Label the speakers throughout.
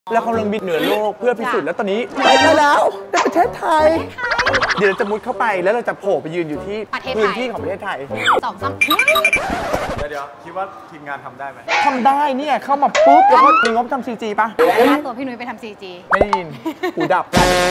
Speaker 1: แล้วเขาลงบินเหนือโลกเพื่อพิสูจน์แล้วตอนนี้ไปได้แล้วในประเทศไทยเดี๋ยวเราจะมุดเข้าไปแล้วเราจะโผล่ไปยืนอยู่ที่พื้นที่ของประเทศไทย
Speaker 2: 2-3
Speaker 3: เดี๋ยวคิดว่าทีมงานทำได้ไหม
Speaker 1: ทำได้เนี่ยเข้ามาปุ๊บแล้วก็มีงบทำซีจีป่ะ
Speaker 2: ค่าตัวพี่นุ้ยไปทำซีจี
Speaker 1: ไม่ได้ยินหูดับ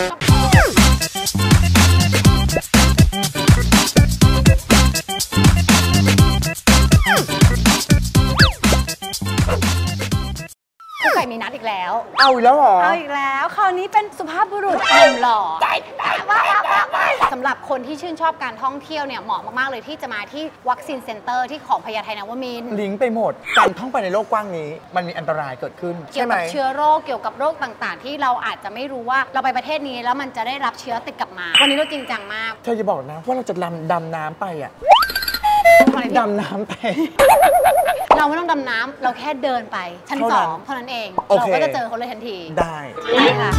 Speaker 2: ผู้ไก่มีนัดอีกแล้ว
Speaker 1: เอาอีกแล้วเหรอ
Speaker 2: เอาอีกแล้วคราวนี้เป็นสุภาพบุรุษหล่อสำหรับคนที่ชื่นชอบการท่องเที่ยวเนี่ยเหมาะมากๆเลยที่จะมาที่วัคซีนเซ็นเตอร์ที่ของพญาไทนวมินทร์
Speaker 1: ลิงก์ไปหมดการท่องไปในโลกกว้างนี้มันมีอันตรายเกิดขึ้น
Speaker 2: เกี่ยวกับเชื้อโรคเกี่ยวกับโรคต่างๆที่เราอาจจะไม่รู้ว่าเราไปประเทศนี้แล้วมันจะได้รับเชื้อติดกลับมาวันนี้เราจริงจังมาก
Speaker 1: เธอจะบอกนะว่าเราจะดำน้ำไปอ่ะดำน้ำไป
Speaker 2: เราไม่ต้องดำน้ำเราแค่เดินไปชั้น2เท่านั้นเองเราก็จะเจอเขาเลยทันที
Speaker 1: ได้
Speaker 2: ค่ะ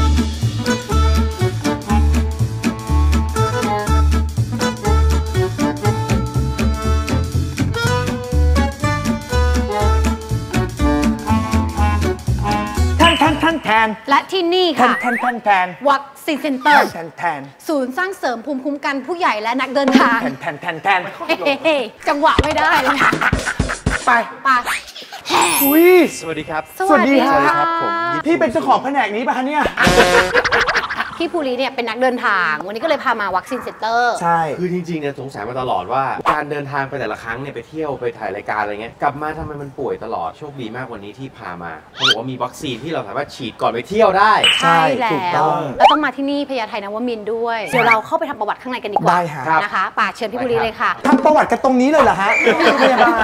Speaker 1: แทน
Speaker 2: และที่นี่ค่ะ
Speaker 1: แทน
Speaker 2: วัคซีนเซ็นเตอร์
Speaker 1: แทน
Speaker 2: ศูนย์สร้างเสริมภูมิคุ้มกันผู้ใหญ่และนักเดินทาง
Speaker 1: แทน
Speaker 2: จังหวะไม่ได้เลย
Speaker 1: ไปอุ้ย
Speaker 3: สวัสดีครับ
Speaker 2: สวัสดีครับ
Speaker 1: ผมพี่เป็นเจ้าของแผนกนี้ป่ะคะเนี่ย
Speaker 2: พี่ภูริเนี่ยเป็นนักเดินทางวันนี้ก็เลยพามาวัคซีนเซ็นเตอร์
Speaker 1: ใช่
Speaker 3: คือจริงๆเนี่ยสงสัยมาตลอดว่าการเดินทางไปแต่ละครั้งเนี่ยไปเที่ยวไปถ่ายรายการอะไรเงี้ยกลับมาทำไมมันป่วยตลอดโชคดีมากวันนี้ที่พามาเขาบอกว่ามีวัคซีนที่เราสามารถฉีดก่อนไปเที่ยวได้
Speaker 2: ใช่แล้วแล้วต้องมาที่นี่พญาไทนวมินทร์ด้วยเดี๋ยวเราเข้าไปทำประวัติข้างในกันดีกว่านะคะป่าเชิญพี่ภูริเลยค่ะ
Speaker 1: ทำประวัติกันตรงนี้เลยเหรอฮะพยาบาล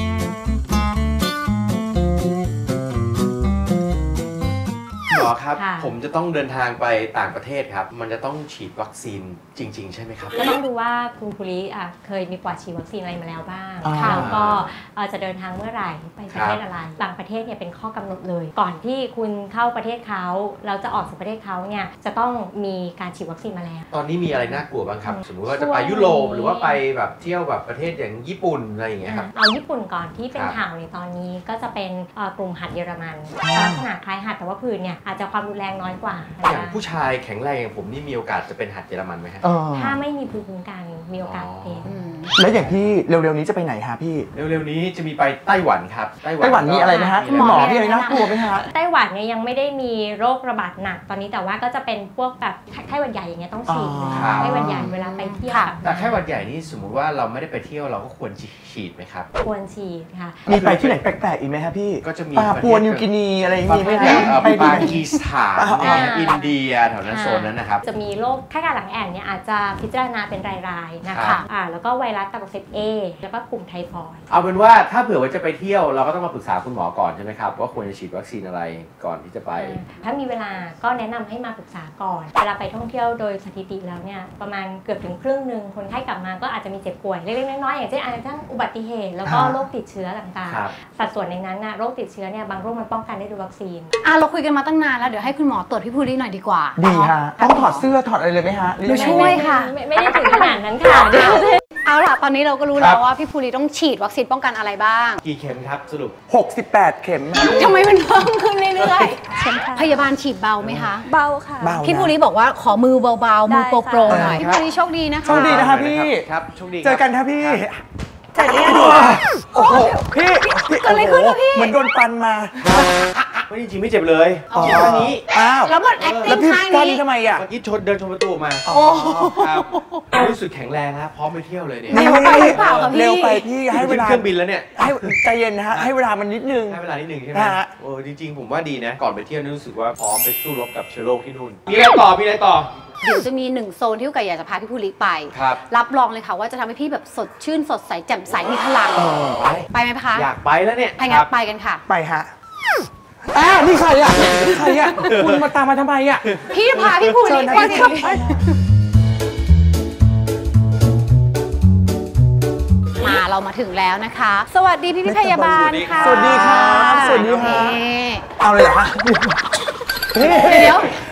Speaker 3: หมอครับผมจะต้องเดินทางไปต่างประเทศครับมันจะต้องฉีดวัคซีนจริงๆใช่ไหมครับ
Speaker 4: ก็ต้องดูว่าคุณภูริเคยมีประวัติฉีดวัคซีนอะไรมาแล้วบ้างแล้วก็จะเดินทางเมื่อไหร่ไปประเทศอะไรบางประเทศเนี่ยเป็นข้อกำหนดเลยก่อนที่คุณเข้าประเทศเขาเราจะออกจากประเทศเขาเนี่ยจะต้องมีการฉีดวัคซีนมาแล้ว
Speaker 3: ตอนนี้มีอะไรน่ากลัวบ้างครับสมมติว่าจะไปยุโรปหรือว่าไปแบบเที่ยวแบบประเทศอย่างญี่ปุ่นอะไรอย่างเงี้ยครับ
Speaker 4: เอาญี่ปุ่นก่อนที่เป็นข่าวในตอนนี้ก็จะเป็นกลุ่มหัดเยอรมันลักษณะคล้ายหัดแต่ว่าผื่นเนี่ยอาจจะความรุนแรงน้อยกว่า
Speaker 3: อย่างผู้ชายแข็งแรงอย่างผมนี่มีโอกาสจะเป็นหัดเยอรมันไหมฮะ
Speaker 4: ถ้าไม่มีภูมิคุ้มกันมีโอกาสเป็น
Speaker 1: แล้วอย่างพี่เร็วๆนี้จะไปไหนฮะพี่
Speaker 3: เร็วๆนี้จะมีไปไต้หวันครับ
Speaker 1: ไต้หวันมีอะไรนะฮะหมอมีอะไรน่ากลัวไหมฮะ
Speaker 4: ไต้หวันเนี่ยยังไม่ได้มีโรคระบาดหนักตอนนี้แต่ว่าก็จะเป็นพวกแบบไข้หวัดใหญ่อย่างเงี้ยต้องฉีดไข้หวัดใหญ่เวลาไปเที่ยว
Speaker 3: แต่ไข้หวัดใหญ่นี่สมมุติว่าเราไม่ได้ไปเที่ยวเราก็ควรฉีดไหมครับ
Speaker 4: ควรฉีดค่ะ
Speaker 1: มีไปที่ไหนแปลกๆอีกไหมครับพี่
Speaker 3: ก็จะมี
Speaker 1: ปาปัวนิวกินีอะไรอย่างงี้ไหม
Speaker 3: ไปปากีสถานอินเดียแถวนั้นโซนนั้นนะครับ
Speaker 4: จะมีโรคไข้กาฬหลังแอ่นเนี่ยอาจจะพิจารณาเป็นรายๆนะคะแล้วก็ไวรัสตับอักเสบAแล้วก็กลุ่มไทฟอยด์
Speaker 3: เอาเป็นว่าถ้าเผื่อว่าจะไปเที่ยวเราก็ต้องมาปรึกษาคุณหมอก่อนใช่ไหมครับว่าควรจะฉีดวัคซีนอะไรก่อนที่จะไป
Speaker 4: ถ้ามีเวลาก็แนะนำให้มาปรึกษาก่อนเวลาไปท่องเที่ยวโดยสถิติแล้วเนี่ยประมาณเกือบถึงครึ่งหนึ่งคนไข้กลับมาก็อาจจะมีเจ็บป่วยเล็กๆน้อยๆอย่างเช่นอาจจะทั้งอุบัติเหตุแล้วก็โรคติดเชื้อต่างๆสัดส่วนในนั้นนะโรคติดเชื้อเนี่ยบางโรคมันป้องกันได้ด้วยวัคซีน
Speaker 2: เราคุยกันมาตั้งนานแล้วเดี๋ยวให้คุณหมอตรวจพี่ภูริหน่อยดีกว่า
Speaker 1: ดีฮะต้องถอดเสื้อถอดอะไรเลยไหมฮะ
Speaker 2: ดูช่วยค่ะ
Speaker 4: ไม่ได้ถึงขนาดนั้นค่ะ
Speaker 2: เอาล่ะตอนนี้เราก็รู้แล้วว่าพี่ภูริต้องฉีดวัคซีนป้องกันอะไรบ้าง
Speaker 3: กี่เข็มครับสรุป
Speaker 1: 68 เข็ม
Speaker 2: ทำไมมันเพิ่มขึ้นเรื่อยๆพยาบาลฉีดเบาไหมคะ
Speaker 5: เบาค่ะ
Speaker 2: พี่ภูริบอกว่าขอมือเบาๆมือโปรๆหน่อยพี่ภูริโชคดีนะคะ
Speaker 1: โชคดีนะคะพี่
Speaker 3: ครับโชคดี
Speaker 1: เจอกันครับพี่
Speaker 2: เจอกัน
Speaker 1: โอ้โหพี่
Speaker 2: อะไรขึ้นวะพี่
Speaker 1: เหมือนโดนฟันมา
Speaker 3: ไม่จริงไม่เจ็บเลยเจ็บแค่นี้
Speaker 2: แล้วมันแอคติ้งท่านี้
Speaker 1: ทำไมอ่ะ
Speaker 3: เมื่อกี้เดินชนประตูมาครับรู้สึกแข็งแรงนะพร้อมไปเที่ยวเลยเนี่ย
Speaker 2: เร็วไปหรือเปล่าครับพี่
Speaker 1: เร็วไปพี่ให้เวลา
Speaker 3: เครื่องบินแล้วเนี่ย
Speaker 1: ให้ใจเย็นนะฮะให้เวลามันนิดนึง
Speaker 3: ให้เวลานิดนึงใช่ไหมโอ้จริงๆผมว่าดีนะก่อนไปเที่ยวรู้สึกว่าพร้อมไปสู้รบกับเชื้อโรคที่นู่นมีอะไรต่อ
Speaker 2: เดี๋ยวจะมี1โซนที่ไก่อยากจะพาพี่ภูริไปรับรองเลยค่ะว่าจะทำให้พี่แบบสดชื่นสดใสแจ่มใสมีพลังไปไหมคะ
Speaker 3: อยากไปแล้วเนี่ย
Speaker 2: ไปงั้นไปกันค่ะ
Speaker 1: ไปฮะนี่ใครอ่ะคุณมาตามมาทำไมอ่ะ
Speaker 2: พี่พาพี่ภูริไปมาเรามาถึงแล้วนะคะสวัสดีพี่พยาบาลค่ะ
Speaker 1: สวัสดีครับสวัสดีค่ะเอาเลยเหรอคะ
Speaker 2: เดี๋ยวต้อง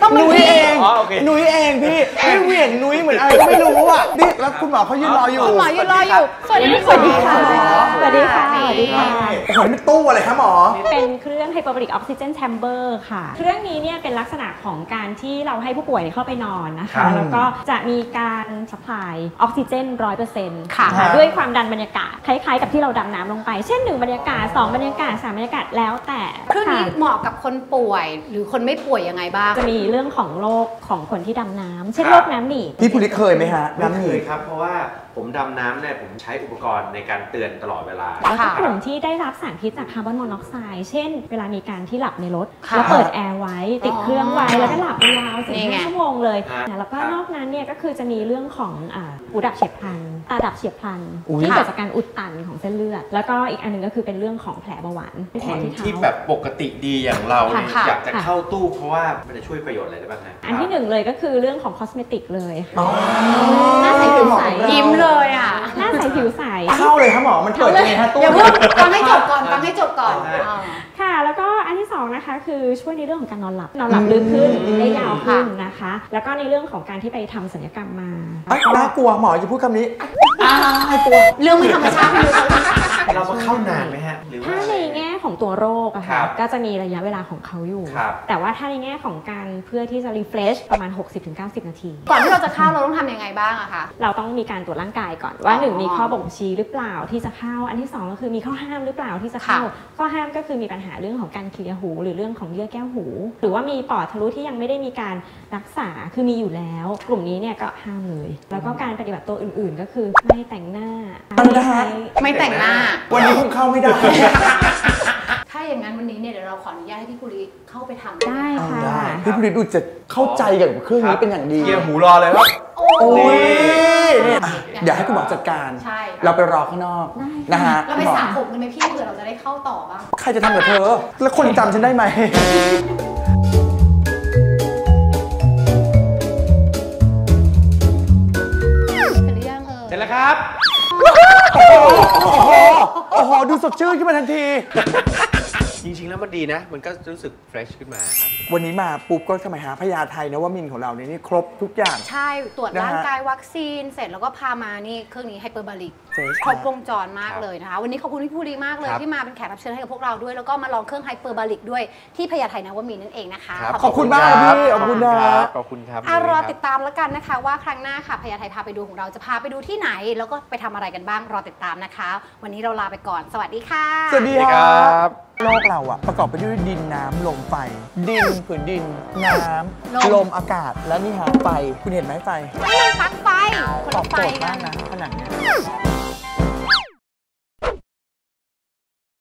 Speaker 1: นุ้ยเอง
Speaker 3: อ๋อโอเค
Speaker 1: นุ้ยเองพี่เหวี่ยงนุ้ยเหมือนอะไรก็ไม่รู้อ่ะนี่แล้วคุณหมอเขายืนรออยู่
Speaker 2: คุณหมอยืนรออยู่ สวัสดีค่ะ
Speaker 4: สวัสดีค่ะ สวัสดีค่ะ
Speaker 1: โอ้โหนี่เป็นตู้อะไรคะหมอ
Speaker 5: เป็นเครื่อง Hyperbaric Oxygen Chamber ค่ะ เครื่องนี้เนี่ยเป็นลักษณะของการที่เราให้ผู้ป่วยเข้าไปนอนนะ
Speaker 1: ครั
Speaker 5: คะ
Speaker 1: บ
Speaker 5: แล้วก็จะมีการสปายออกซิเจน 100%
Speaker 2: ค่ะ
Speaker 5: ด้วยความดันบรรยากาศคล้ายๆกับที่เราดำน้ำลงไป เช่น 1 บรรยากาศ 2 บรรยากาศ 3 บรรยากาศแล้วแต่
Speaker 2: เครื่องนี้
Speaker 5: ค่ะ
Speaker 2: เหมาะกับคนป่วย หรือคนไม่ป่วยยังไงบ้าง
Speaker 5: จะมีเรื่องของโรคของคนที่ดำน้ำเช่น
Speaker 3: ครับ
Speaker 5: โรคน้ำหนีบ
Speaker 1: พี่ภูริเคยไหมฮะ
Speaker 3: ไม่
Speaker 1: น้ำห
Speaker 3: เค
Speaker 1: นี
Speaker 3: ยครับ เพราะว่าผมดำน้ำเนี่ยผมใช้อุปกรณ์ในการเตือนตลอดเวลา
Speaker 5: แล้วก็
Speaker 2: ค่ะ
Speaker 5: กลุ่มที่ได้รับสารพิษจากคาร์บอนมอนอกไซด์เช่น เวลามีการที่หลับในรถ
Speaker 2: ค่ะ
Speaker 5: แล้วเปิดแอร์ไว้ติดเครื่องไว้แล้วก็หลับไปยาว
Speaker 2: นี่ไง
Speaker 5: 4-5 ชั่วโมงเลย
Speaker 3: ฮะ
Speaker 5: แล้วก็นอกนั้นเนี่ยก็คือจะมีเรื่องของหูดับเฉียบพลันตาดับเฉียบพลัน
Speaker 1: อุ๊ย
Speaker 5: ที่เกิดจากการอุดตันของเส้นเลือด แล้วก็อีกอันหนึงก็คือเป็นเรื่องของแผลเบาหวานเป็น
Speaker 3: ค
Speaker 5: แผล
Speaker 3: น
Speaker 5: ที่เท้า
Speaker 3: ที่แบบปกติดีอย่างเราเนี่ย
Speaker 2: ค่ะ
Speaker 3: อยากจะ
Speaker 5: ค่ะ
Speaker 3: เข้าตู้เพราะว่ามันจะช่วยประโยชน์อะไรได้บ้างฮะ
Speaker 5: อันที่หนึ่งเลยก็คือเรื่องของคอสเมติกเลยค่ะ
Speaker 1: อ๋อ
Speaker 5: หน้าใสผิวใส
Speaker 2: ยิ้มเลยอ่ะ
Speaker 5: หน้าใสผิวใส
Speaker 1: เข้าเลยครับหมอมันเปิดยังไงฮะตู้
Speaker 2: อย่าเพิ่งฟังให้จบก่อน ฟังให้จบก่อน
Speaker 3: ค่ะ
Speaker 2: อ่า
Speaker 5: ค่ะ แล้วก็อันที่สองนะคะคือช่วยในเรื่องของการนอนหลับลึกขึ้นได้ยาวขึ้นนะคะ แล้วก็ในเรื่องของการที่ไปทำศัลยกรรมมา
Speaker 1: เอ้ยน่ากลัวหมอจะพูดคำนี้กลัว
Speaker 2: เรื่องไม่ธรรมชาติไม่รู้
Speaker 3: เรามาเข้านานไหมฮะ หรือว่า
Speaker 5: ถ้าในแง่ของตัวโรคอะ
Speaker 3: ครั
Speaker 5: ค่ะ
Speaker 3: บ
Speaker 5: ก็จะมีระยะเวลาของเขาอยู่
Speaker 3: ครับ
Speaker 5: แต่ว่าถ้าในแง่ของการเพื่อที่จะ refresh ประมาณ 60-90 นาที
Speaker 2: ก่อนที่เราจะเข้าเราต้องทำยังไงบ้างอะคะ
Speaker 5: เราต้องมีการตรวจร่างกายก่อนว่า
Speaker 2: อ๋อ
Speaker 5: 1 มีข้อบ่งชี้หรือเปล่าที่จะเข้า อันที่ 2 ก็คือมีข้อห้ามหรือเปล่าที่จะเข้า
Speaker 2: ค่ะ
Speaker 5: ข้อห้ามก็คือมีปัญหาเรื่องของการเคลียร์หู หรือเรื่องของเยื่อแก้วหู หรือว่ามีปอดทะลุที่ยังไม่ได้มีการรักษาคือมีอยู่แล้ว กลุ่มนี้เนี่ยก็ห้ามเลย แล้วก็การปฏิบัติตัวอื่นๆ ก็คือไม่แต่งหน้า
Speaker 2: ไม่แต่งหน้า
Speaker 1: วันนี้คงเข้าไม่ได้
Speaker 2: ถ้าอย่างนั้นวันนี้เนี่ยเดี๋ยวเราขออนุญาตให้พี่กุลีเข้าไปทำ
Speaker 5: ได้ค่ะ
Speaker 1: ได้พี่ภูริดูจะเข้าใจกับเครื่องนี้เป็นอย่างดี
Speaker 3: เกียร์หูรอเลยครับ
Speaker 2: โอ้
Speaker 1: โอ้ย
Speaker 2: ย
Speaker 1: เนี่ยเดี๋ยวให้คุณหมอจัดการ
Speaker 2: ใช่
Speaker 1: เราไปรอข้างนอก
Speaker 5: ได้
Speaker 1: นะฮะ
Speaker 2: เราไปสระผมกันไหมพี่เผื่อเราจะได้เข้าต่อบ้าง
Speaker 1: ใครจะทำกับเธอ แล้วคนจำฉันได้ไหม
Speaker 2: เสร็จหรือยังเออ
Speaker 3: เสร็จแล้วครับ
Speaker 1: โอ้โห ดูสดชื่นขึ้นมาทันที
Speaker 3: จริงๆแล้วมันดีนะ มันก็รู้สึกเฟรชขึ้นมาครับ
Speaker 1: วันนี้มาปุ๊บก็สมัยหาพญาไทนวมินทร์ของเราเนี่ยนี่ครบทุกอย่าง
Speaker 2: ใช่ตรวจ
Speaker 1: นะฮะ
Speaker 2: ร่างกายวัคซีนเสร็จแล้วก็พามานี่เครื่องนี้ไฮเปอร์บาริก
Speaker 1: เจ๊
Speaker 2: ครบวงจรมากเลยนะคะ วันนี้ขอบคุณพี่ภูริมากเลย
Speaker 3: ครับ
Speaker 2: ที่มาเป็นแขกรับเชิญให้กับพวกเราด้วย แล้วก็มาลองเครื่องไฮเปอร์บาริกด้วยที่พญาไทนวมินทร์นั่นเองนะคะ
Speaker 1: ขอบคุณมากครับพี่ขอบคุณนะ
Speaker 3: ขอบคุณครับ
Speaker 2: รอติดตามแล้วกันนะคะ ว่าครั้งหน้าค่ะพญาไทพาไปดูของเราจะพาไปดูที่ไหน แล้วก็ไปทำอะไรกันบ้างรอติดตามนะคะ วันนี้เราลาไปก่อนสวัสดีค่ะ
Speaker 1: สวัสดี
Speaker 3: สวัสดี
Speaker 1: ค
Speaker 3: ค
Speaker 1: รั
Speaker 3: รับ
Speaker 1: โลกเราอะประกอบไปด้วยดินน้ำลมไฟ ดินผืนดิน น้ำลมอากาศและนี่ฮะไฟ คุณเห็นไหมไฟ
Speaker 2: นี่มันปลั๊กไฟคน
Speaker 1: ตอ
Speaker 2: ละ
Speaker 1: บ
Speaker 2: ไฟ
Speaker 1: โจทย์
Speaker 2: กั
Speaker 1: มาก
Speaker 2: น
Speaker 1: นะขนาดนี้